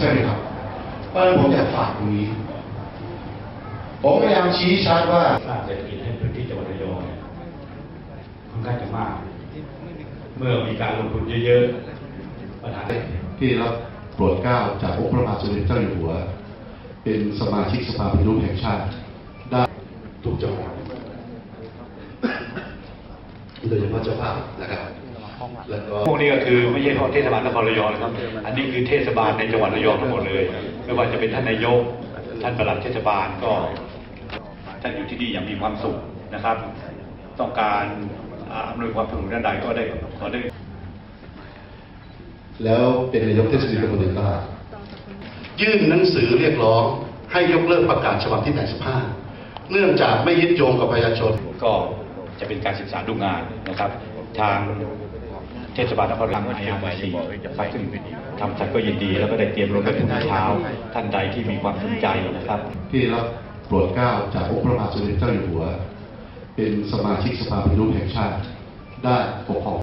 ช่ไหมครับเพราะฉะนั้นผมอยากฝากตรงนี้ผมพยายามชี้ชัดว่าสร้างเศรษฐกิจให้พื้นที่จังหวัดระยองเนี่ยค่อนข้างจะมากเมื่อมีการลงทุนเยอะๆปัญหาที่รับโปรดเกล้าจากองค์พระบาทสมเด็จเจ้าอยู่หัวเป็นสมาชิกสภาปฏิรูปแห่งชาติได้ทุกจังหวัดโดยเฉพาะเจ้าภาพนะครับแล้วก็พวกนี้ก็คือไม่ใช่เฉพาะเทศบาลนครระยองนะครับ อันนี้คือเทศบาลในจังหวัดระยองทั้งหมดเลยไม่ว่าจะเป็นท่านนายกท่านปลัดเทศบาลก็ท่านอยู่ที่นี่อย่างมีความสุขนะครับ ต้องการอำนวยความสะดวกด้านใดก็ได้ขอได้แล้วเป็นนายกเทศมนตรีตำบลเดนต้ายื่นหนังสือเรียกร้องให้ยกเลิกประกาศฉบับที่ 85 เนื่องจากไม่ยึดโยงกับประชาชนก็จะเป็นการศึกษาดูงานนะครับ ทางเทศบาลนครระยองIRC ซึ่งทำสัตว์ก็ยินดีแล้วก็ได้เตรียมลงไปถึงเช้าท่านใดที่มีความสนใจนะครับที่รับโปรดเกล้าจากองค์พระบาทสมเด็จเจ้าอยู่หัวเป็นสมาชิกสภาปฏิรูปแห่งชาติได้ปกครอง